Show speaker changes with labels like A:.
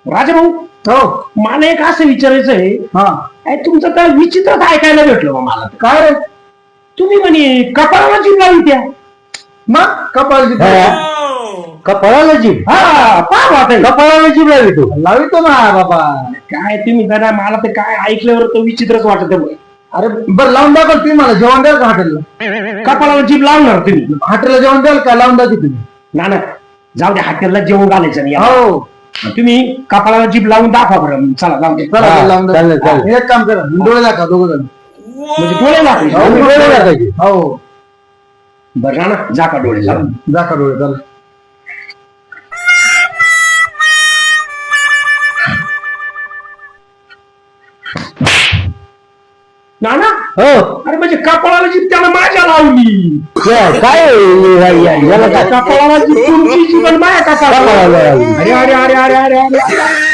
A: राजाभाऊ
B: हो
A: मला एक असं विचारायचं आहे.
B: हा
A: तुमचं तर विचित्रच ऐकायला भेटलं बा मला.
B: काय रे
A: तुम्ही म्हणे कपाळाला जीभ लावली त्या.
B: मग कपाळची
C: कपाळाला जीभ
A: हा पहा बा ताई.
C: कपाळाला जीभ लावी तू
B: लावितो ना बाबा.
A: काय तुम्ही जरा मला ते काय ऐकल्यावर तो विचित्रच वाटत आहे.
B: अरे बरं लावून द्या तुम्ही मला जेवण द्याल का हॉटेलला?
A: कपाळाला जीभ लावणार तुम्ही?
B: हॉटेलला जेवण द्याल का? लावून द्या की तुम्ही.
A: ना ना जाऊ द्या हॉटेलला जेवण घालायचं नाही.
B: हो
A: तुम्ही कपाळाला जीभ लावून दाखवा बरं. चला जाऊ दे.
B: चला
C: हा,
B: लावून द्या.
C: चालेल, चालेल.
B: एक काम करा डोळे दाखवा दोघं जण.
A: म्हणजे डोळे दाखवायचे?
B: हो,
C: डोळे दाखवायचे.
B: हो
A: बरं ना जा का डोळे लावून.
B: दाखवा डोळे चला.
A: ना ना
C: हो
A: अरे म्हणजे कपाळाला जीभ त्याला माझ्या लावली.
C: काय याला काय
A: कपाळाला जीभ तुमची जीवन माझ्या कपाळाला.
C: कपाळाला लावली.
A: अरे अरे अरे अरे अरे अरे